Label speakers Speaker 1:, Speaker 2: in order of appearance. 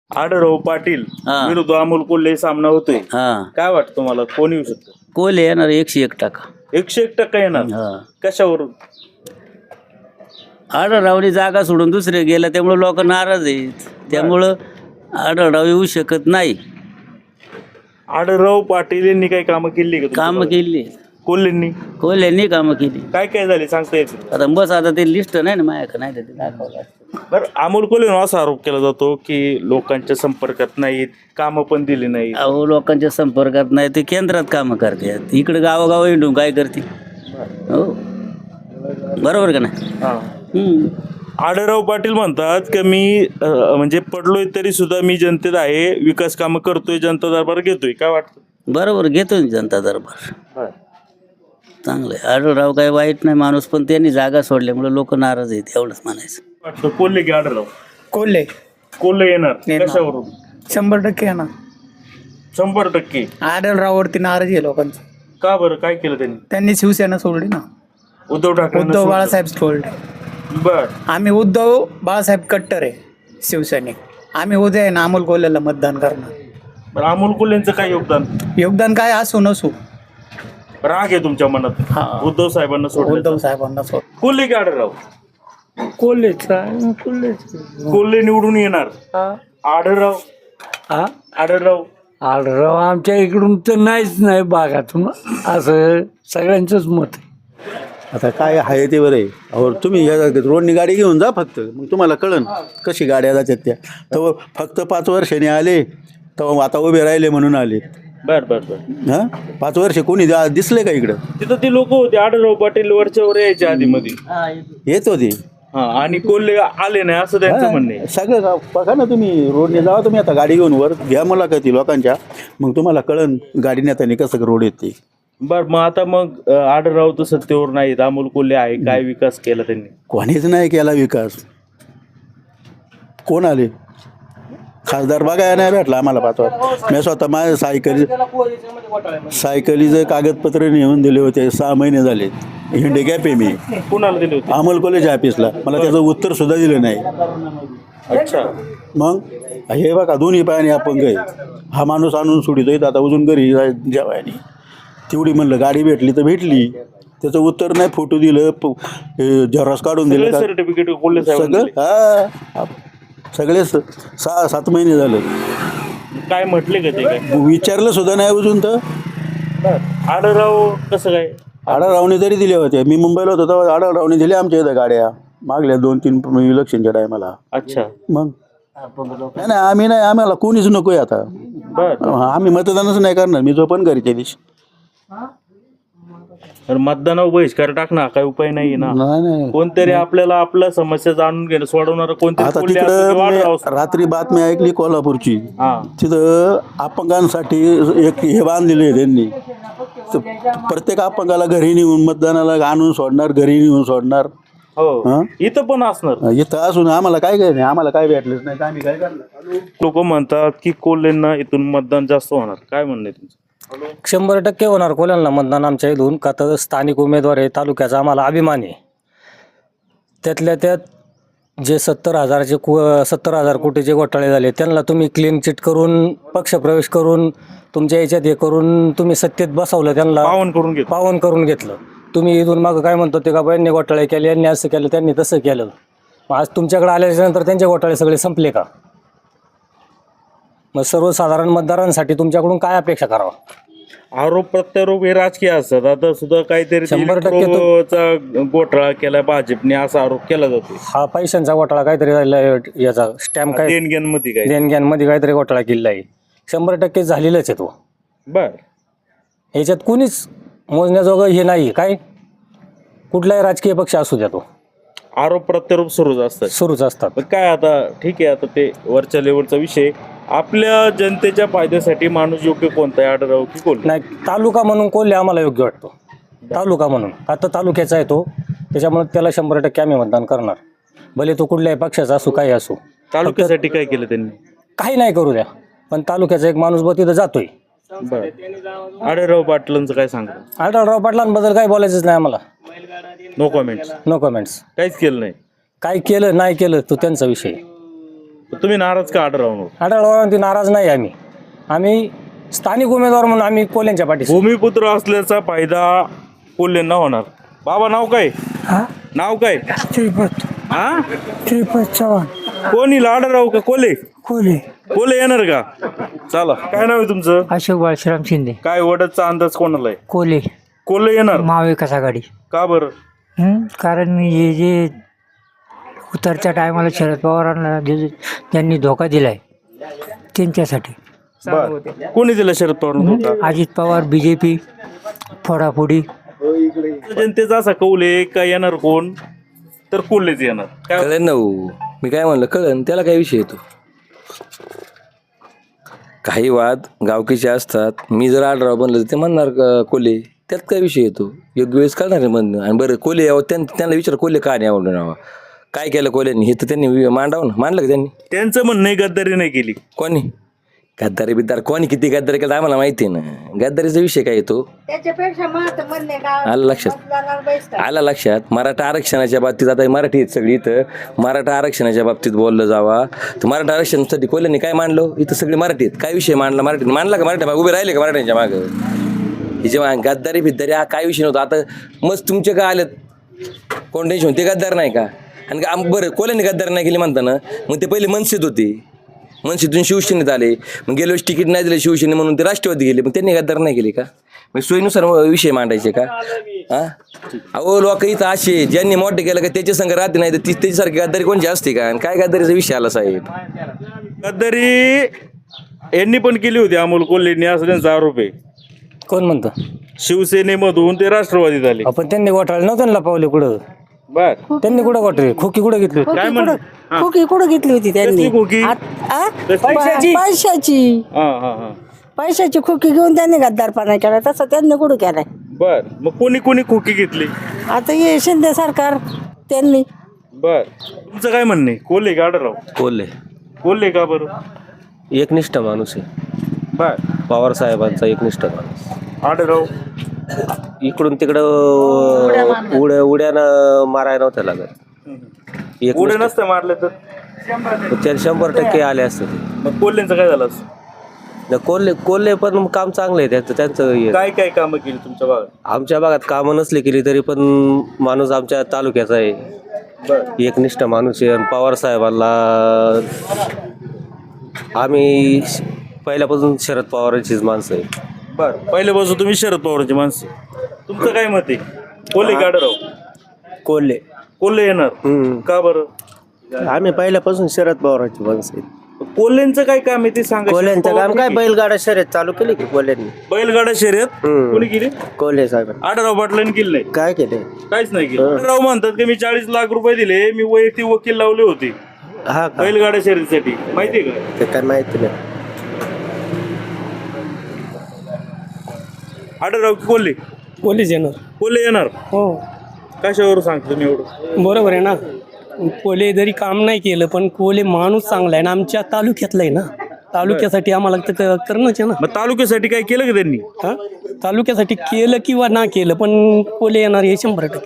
Speaker 1: आढळराव पाटील
Speaker 2: हा.
Speaker 1: विरुद्ध अमोल कोल्हे सामना होतोय.
Speaker 2: हा
Speaker 1: काय वाटतं तुम्हाला कोण येऊ शकतं?
Speaker 2: कोल्हे येणार 101%.
Speaker 1: 101% येणार.
Speaker 2: हा
Speaker 1: कशावरून?
Speaker 2: आढळरावनी जागा सोडून दुसरे गेला त्यामुळे लोक नाराज आहेत. त्यामुळं आढळराव येऊ शकत नाही.
Speaker 1: आढळराव पाटील यांनी काही कामं केली का
Speaker 2: कामं
Speaker 1: तुमच्या
Speaker 2: केली
Speaker 1: भागात? कोल्हेंनी
Speaker 2: कोल्ह्यांनी कामं केली.
Speaker 1: काय काय झाले सांगता येतील?
Speaker 2: आता बस आता ते लिस्ट नाही ना माझ्याकडे, नाही तर ते दाखवलं असतं.
Speaker 1: बरं, अमोल कोल्हे असा आरोप केला जातो की लोकांच्या संपर्कात नाहीत, कामं पण दिली नाहीत.
Speaker 2: अहो लोकांच्या संपर्कात नाही ते केंद्रात कामं करतात, इकडे गावोगाव हिंडून काय करते. हो बरोबर का नाही.
Speaker 1: हा.
Speaker 2: हम्म.
Speaker 1: आढळराव पाटील म्हणतात की मी म्हणजे पडलोय तरी सुद्धा मी जनतेत आहे, विकास कामं करतोय, जनता दरबार घेतोय. काय वाटतं?
Speaker 2: बरोबर घेतो ना जनता दरबार. चांगलं आहे. आढळराव काय वाईट नाही माणूस, पण त्यांनी जागा सोडल्यामुळे लोक नाराज आहेत एवढंच म्हणायचं.
Speaker 1: वाटतं कोल्हे की आढळराव?
Speaker 3: कोल्हे
Speaker 1: कोल्हे येणार.
Speaker 3: येणार.
Speaker 1: कशावरून?
Speaker 3: 100% येणार.
Speaker 1: 100%.
Speaker 3: आढळराववरती नाराजी आहे लोकांचं.
Speaker 1: का बरं, काय केलं त्यांनी?
Speaker 3: त्यांनी शिवसेना सोडली ना.
Speaker 1: उद्धव ठाकरे.
Speaker 3: उद्धव बाळासाहेब सोडले.
Speaker 1: बर.
Speaker 3: आम्ही उद्धव बाळासाहेब कट्टर आहे शिवसैनिक. आम्ही उद्या आहे ना अमोल कोल्हेला मतदान करणार.
Speaker 1: बरं, अमोल कोल्हेंचं काय योगदान?
Speaker 3: योगदान काय असू नसू,
Speaker 1: राग आहे तुमच्या मनात
Speaker 3: हा.
Speaker 1: उद्धव साहेबांना सोडलं?
Speaker 3: उद्धव साहेबांना सोड.
Speaker 1: कोल्हे की आढळराव?
Speaker 3: कोल्हेच
Speaker 1: कोल्हे निवडून येणार. आढळराव? आढळराव
Speaker 4: आढळराव आमच्या इकडून तर नाही भागातून, असं सगळ्यांचंच मत आहे.
Speaker 5: आता काय आहे ते बरं आहे. अहो तुम्ही या रोडनी गाडी घेऊन जा फक्त, मग तुम्हाला कळन कशी गाड्या जातात त्या. तर फक्त 5 वर्षांनी आले तर आता उभे राहिले म्हणून आले.
Speaker 1: बर बर बर.
Speaker 5: हां 5 वर्ष कोणी दिसले का इकडं?
Speaker 1: तिथं ती लोक होते आढळराव पाटील वरच्यावर यायच्या आधी मध्ये.
Speaker 5: येत होते.
Speaker 1: हा, आणि कोल्हे आले नाही असं त्यांचं म्हणणं आहे.
Speaker 5: सगळं बघा ना तुम्ही रोडने जावा तुम्ही आता गाडी घेऊन वर घ्या मुलाखती लोकांच्या, मग तुम्हाला कळन गाडी नेताना कसं रोड येते.
Speaker 1: बर, मग आता मग आढळराव तर सत्तेवर नाहीत, अमोल कोल्हे आहे. काय विकास केला त्यांनी?
Speaker 5: कोणीच नाही केला विकास. कोण आले खासदार बघायला नाही भेटला आम्हाला 5 वर्ष. मी स्वतः माझ्या सायकलीचं कागदपत्र नेऊन दिले होते. 6 महिने झाले. हिंडे गॅप आहे मी
Speaker 1: कुणाला दिले होते?
Speaker 5: अमोल कॉलेज ऑफिसला. मला त्याचं उत्तर सुद्धा दिलं नाही.
Speaker 1: अच्छा.
Speaker 5: मग हे बघा दोन्ही पायाने अपंग आहे. हा माणूस आणून सोडितोय आता अजून घरी जेवायनी. तेवढी म्हणलं गाडी भेटली तर भेटली, त्याचं उत्तर नाही. फोटो दिलं, झेरॉक्स काढून दिलं का
Speaker 1: सर्टिफिकेट कोल्हे
Speaker 5: सगळं.
Speaker 1: साहेब
Speaker 5: हा सगळे 6-7 महिने झालं.
Speaker 1: काय म्हटले का ते? काय
Speaker 5: विचारलं सुद्धा नाही अजून. तर
Speaker 1: आढळराव कसं काय?
Speaker 5: आढळरावने तरी दिल्या होत्या. मी मुंबईला होतो तेव्हा आढळरावने दिल्या आमच्या इथं गाड्या मागल्या 2-3 इलेक्शनच्या टायमाला.
Speaker 1: अच्छा.
Speaker 5: मग नाही नाही आम्ही नाही, आम्हाला कोणीच नको आहे आता.
Speaker 1: बर.
Speaker 5: आम्ही मतदानच नाही करणार. मी जो पण घरीच्या दिवशी
Speaker 1: तर मतदानावर बहिष्कार टाकणार काय उपाय नाही ना.
Speaker 5: नाही.
Speaker 1: कोणतरी आपल्याला आपल्या समस्या जाणून घेणं सोडवणार कोणतरी
Speaker 5: आता
Speaker 1: कोल्हे असो किंवा आढळराव असो.
Speaker 5: तिकडं रात्री बातमी ऐकली कोल्हापूरची.
Speaker 1: हा.
Speaker 5: तिथं अपंगांसाठी एक हे बांधलेले आहे त्यांनी. तर प्रत्येक अपंगाला घरी नेऊन मतदानाला आणून सोडणार, घरी नेऊन सोडणार.
Speaker 1: हो,
Speaker 5: हा?
Speaker 1: इथं पण असणार.
Speaker 5: इथं असून आम्हाला काय नाही, आम्हाला काय भेटलंच नाही तर आम्ही काय करणार.
Speaker 1: लोक म्हणतात की कोल्हेंना इथून मतदान जास्त होणार. काय म्हणणं आहे तुमचं?
Speaker 4: 100% होणार कोल्ह्यांना मतदान आमच्या इथून. का तर स्थानिक उमेदवार आहे, तालुक्याचा आम्हाला अभिमान आहे. त्यातल्या त्यात जे 70,000 कोटीचे घोटाळे झाले त्यांना तुम्ही क्लीन चिट करून, पक्षप्रवेश करून, तुमच्या याच्यात हे करून तुम्ही सत्तेत बसवलं. त्यांना पावन करून घेतलं. तुम्ही इथून मागं काय म्हणतो ते का यांनी घोटाळे केले, यांनी असं केलं, त्यांनी तसं केलं. मग आज तुमच्याकडे आल्याच्या नंतर त्यांचे घोटाळे सगळे संपले का? मग सर्वसाधारण मतदारांसाठी तुमच्याकडून काय अपेक्षा करावा?
Speaker 1: आरोप प्रत्यारोप हे राजकीय असतात. आता सुद्धा काहीतरी
Speaker 4: 100%
Speaker 1: इलेक्ट्रोचा घोटाळा केला भाजपने असा आरोप केला जातो.
Speaker 4: हा पैशांचा घोटाळा काहीतरी झालेला आहे. याचा स्टॅम्प काय
Speaker 1: देणग्यांमध्ये काय
Speaker 4: देणग्यांमध्ये काहीतरी घोटाळा केलेला आहे. 100% झालेलाच आहे तो.
Speaker 1: बर.
Speaker 4: याच्यात कोणीच मोजण्याजोगं हे नाही. काय कुठलाही राजकीय पक्ष असू द्या, तो
Speaker 1: आरोप प्रत्यारोप
Speaker 4: सुरूच असतात.
Speaker 1: पण काय आता ठीक आहे, आता ते वरच्या लेवलचा विषय. आपल्या जनतेच्या फायद्यासाठी माणूस योग्य कोणता आहे, आढळराव की कोल्हे?
Speaker 4: नाही, तालुका म्हणून कोल्हे आम्हाला योग्य वाटतो. तालुका म्हणून आता तालुक्याचा आहे तो, त्याच्यामुळे त्याला 100% आम्ही मतदान करणार. भले तो कुठल्याही पक्षाचा असू, काही असू.
Speaker 1: तालुक्यासाठी काय केलं त्यांनी?
Speaker 4: काही नाही करू द्या, पण तालुक्याचा एक माणूस तिथं जातोय.
Speaker 1: आढळराव पाटलांचं काय सांगतो?
Speaker 4: आढळराव पाटलांबद्दल काही बोलायचंच नाही आम्हाला.
Speaker 1: No comments.
Speaker 4: No comments.
Speaker 1: काहीच केलं नाही.
Speaker 4: काय केलं नाही केलं तो त्यांचा विषय.
Speaker 1: तुम्ही नाराज का आढळरावांवर?
Speaker 4: आढळरावांवरती नाराज नाही आम्ही स्थानिक उमेदवार म्हणून आम्ही कोल्ह्यांच्या पाठीशी.
Speaker 1: भूमिपुत्र असल्याचा फायदा कोल्हेंना होणार. बाबा नाव काय? नाव काय? हा
Speaker 6: श्रीपद चव्हाण.
Speaker 1: कोणी आढळराव का कोल्हे?
Speaker 6: कोले.
Speaker 1: कोल्हे येणार का? चला, काय नाव आहे तुमचं?
Speaker 6: अशोक बाळश्राम शिंदे.
Speaker 1: काय वडदचा अंदाज कोणाला आहे?
Speaker 6: कोले.
Speaker 1: कोल्हे येणार.
Speaker 6: महाविकास आघाडी.
Speaker 1: का बरं?
Speaker 6: कारण मी जे उतरच्या टायमाला शरद पवारांना त्यांनी धोका दिलाय त्यांच्यासाठी.
Speaker 1: बरं. कोणी दिला शरद पवार?
Speaker 6: अजित पवार, BJP, फोडाफोडी.
Speaker 1: जनतेचा असा कौल आहे का येणार कोण तर कोल्हेच येणार. काय
Speaker 7: कळेल ना हो. मी काय म्हणलं कळन, त्याला काय विषय येतो. काही वाद गावकीचे असतात. मी जर आढळराव बनलं तर ते म्हणणार कोल्हे, त्यात काय विषय येतो. योग्य वेळेस कळणार आहे म्हणणं. आणि बरं कोल्हे यावं त्यांना विचार कोल्हे का नाही आवडलं नावा, काय केलं कोल्ह्यांनी हे तर त्यांनी मांडावं ना. मांडलं का त्यांनी?
Speaker 1: त्यांचं म्हणणं आहे गद्दारी नाही केली.
Speaker 7: कोणी गद्दारी बिद्दार कोणी किती गद्दारी केलं आम्हाला माहिती आहे ना. गद्दारीचा विषय काय येतो. आला लक्षात. मराठा आरक्षणाच्या बाबतीत आता मराठी आहेत सगळी इथं. मराठा आरक्षणाच्या बाबतीत बोललं जावा तर मराठा आरक्षणासाठी कोल्ह्यांनी काय मांडलं. इथं सगळे मराठी आहेत. काय विषय मांडला मराठी मांडला का? मराठा उभे राहिले का मराठ्यांच्या मागं? हे जेव्हा गद्दारी बिद्दारी हा काय विषय नव्हता. आता मस्त तुमचे काय आलेत कोण टेन्शन, ते गद्दार नाही का? आणि बरं कोल्ह्यांनी गद्दार नाही केली म्हणताना मग ते पहिले मनसेत होते, मनसेतून शिवसेनेत आले, मग गेल्या वेळेस तिकीट नाही दिलं शिवसेने म्हणून ते राष्ट्रवादी गेले, मग त्यांनी गद्दार नाही केली का? मग सोयीनुसार विषय मांडायचे का? हा अहो लोक इथं असे ज्यांनी मोठे केलं का त्याच्या संघ राहते नाही तर त्याच्यासारखी गद्दारी कोणची असते का? आणि काय गद्दारीचा विषय आला साहेब?
Speaker 1: गद्दारी यांनी पण केली होती अमोल कोल्हेंनी असं त्यांचा आरोप आहे.
Speaker 4: कोण म्हणतं?
Speaker 1: शिवसेनेमधून ते राष्ट्रवादीत आले.
Speaker 4: आपण त्यांनी घोटाळे नव्हते ना पावले कुठं.
Speaker 1: बर.
Speaker 4: त्यांनी कुठं घोटाळे खोकी कुठं घेतली होती?
Speaker 1: काय म्हण?
Speaker 8: खोकी कुठं घेतली होती त्यांनी?
Speaker 1: कसली खोकी?
Speaker 8: पैशाची खोकी घेऊन त्यांनी गद्दारपणा केला. तसं त्यांनी कुठं केलाय?
Speaker 1: बर. मग कोणी कोणी खोकी घेतली?
Speaker 8: आता हे शिंदे सरकार त्यांनी.
Speaker 1: बर. तुमचं काय म्हणणं आहे? कोल्हे का आढळराव?
Speaker 9: कोल्हे
Speaker 1: कोल्हे का बरं?
Speaker 9: एकनिष्ठ माणूस आहे.
Speaker 1: बर.
Speaker 9: पवार साहेबांचा एकनिष्ठ माणूस.
Speaker 1: आढळराव
Speaker 9: इकडून तिकडं उड्यानं मारायला नव्हत्या लागत.
Speaker 1: पुढे नसतं मारले तर
Speaker 9: त्याला 100% आले असते.
Speaker 1: मग कोल्हेंचं काय झालं असं?
Speaker 9: कोल्हे पण काम चांगलं आहे त्यांचं हे.
Speaker 1: काय काय कामं केली तुमच्या भागात?
Speaker 9: आमच्या भागात कामं नसली केली तरी पण माणूस आमच्या तालुक्याचा आहे. एकनिष्ठ माणूस आहे. आणि पवार साहेबांना आम्ही पहिल्यापासून शरद पवारांचीच माणसं आहे.
Speaker 1: बर. पहिल्यापासून तुम्ही शरद पवारांची माणसं. तुमचं काय मत आहे? कोल्हे का आढळराव?
Speaker 9: कोल्हे.
Speaker 1: कोल्हे येणार. का बरं?
Speaker 9: आम्ही पहिल्यापासून शरद पवारांची माणसं आहे.
Speaker 1: कोल्हेंचं काय काम आहे ते सांगा.
Speaker 9: कोल्ह्यांचं काम काय? बैलगाडा शर्यत चालू केली की कोल्ह्यांनी.
Speaker 1: बैलगाडा शर्यत कोणी केली?
Speaker 9: कोल्हे साहेब.
Speaker 1: आढळराव पाटलांनी केली नाही.
Speaker 9: काय केले?
Speaker 1: काहीच नाही केलं. आढळराव म्हणतात की मी 40 लाख रुपये दिले, मी वैयक्तिक वकील लावले होते
Speaker 9: हा का?
Speaker 1: बैलगाडा शर्यतीसाठी. माहितीये का?
Speaker 9: ते काय माहिती नाही.
Speaker 1: आढळराव की कोल्हे?
Speaker 10: कोल्हेच येणार.
Speaker 1: कोल्हे येणार.
Speaker 10: हो
Speaker 1: कशावर सांगतो तुम्ही एवढं?
Speaker 10: बरोबर आहे ना. कोल्हे जरी काम नाही केलं पण कोल्हे माणूस चांगला आहे ना. आमच्या तालुक्यातला आहे ना. तालुक्यासाठी आम्हाला तर करणंच आहे ना.
Speaker 1: मग तालुक्यासाठी काय केलं का त्यांनी?
Speaker 10: तालुक्यासाठी केलं किंवा ना केलं पण कोल्हे येणार हे 100%.